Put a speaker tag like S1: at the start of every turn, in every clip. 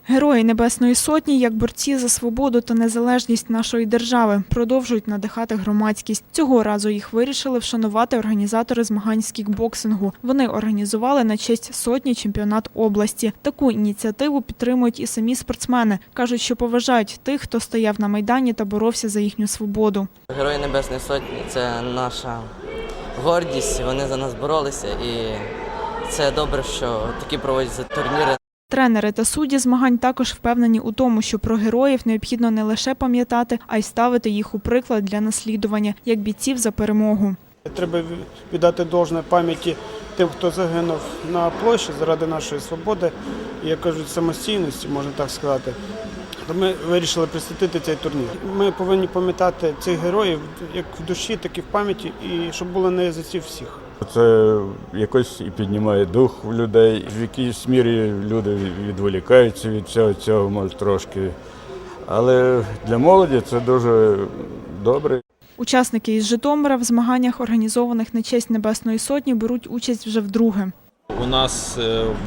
S1: Герої Небесної Сотні, як борці за свободу та незалежність нашої держави, продовжують надихати громадськість. Цього разу їх вирішили вшанувати організатори змагань з кікбоксингу. Вони організували на честь сотні чемпіонат області. Таку ініціативу підтримують і самі спортсмени. Кажуть, що поважають тих, хто стояв на Майдані та боровся за їхню свободу.
S2: Герої Небесної Сотні – це наша гордість, вони за нас боролися і це добре, що такі проводяться турніри.
S1: Тренери та судді змагань також впевнені у тому, що про героїв необхідно не лише пам'ятати, а й ставити їх у приклад для наслідування, як бійців за перемогу.
S3: Треба віддати должне пам'яті тим, хто загинув на площі заради нашої свободи, і, як кажуть, самостійності, можна так сказати. То ми вирішили присвятити цей турнір. Ми повинні пам'ятати цих героїв як в душі, так і в пам'яті, і щоб було на язиці всіх.
S4: Це якось і піднімає дух у людей. В якійсь мірі люди відволікаються від всього цього, може, трошки. Але для молоді це дуже добре.
S1: Учасники із Житомира в змаганнях, організованих на честь Небесної Сотні, беруть участь вже вдруге.
S5: У нас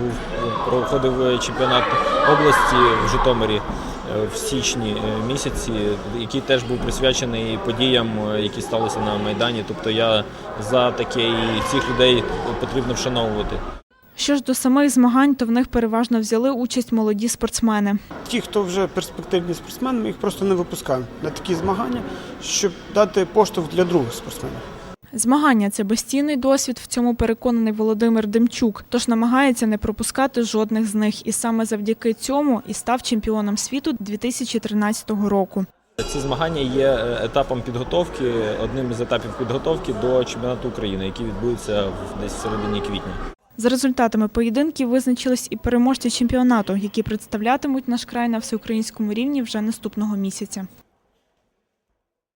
S5: проходив чемпіонат області в Житомирі в січні місяці, який теж був присвячений подіям, які сталися на Майдані. Тобто я за таке, і цих людей потрібно вшановувати.
S1: Що ж до самих змагань, то в них переважно взяли участь молоді спортсмени.
S3: Ті, хто вже перспективні спортсмени, ми їх просто не випускаємо на такі змагання, щоб дати поштовх для других спортсменів.
S1: Змагання – це безцінний досвід, в цьому переконаний Володимир Демчук, тож намагається не пропускати жодних з них. І саме завдяки цьому і став чемпіоном світу 2013 року.
S5: Ці змагання є етапом підготовки, одним із етапів підготовки до чемпіонату України, який відбудеться десь в середині квітня.
S1: За результатами поєдинків визначились і переможці чемпіонату, які представлятимуть наш край на всеукраїнському рівні вже наступного місяця.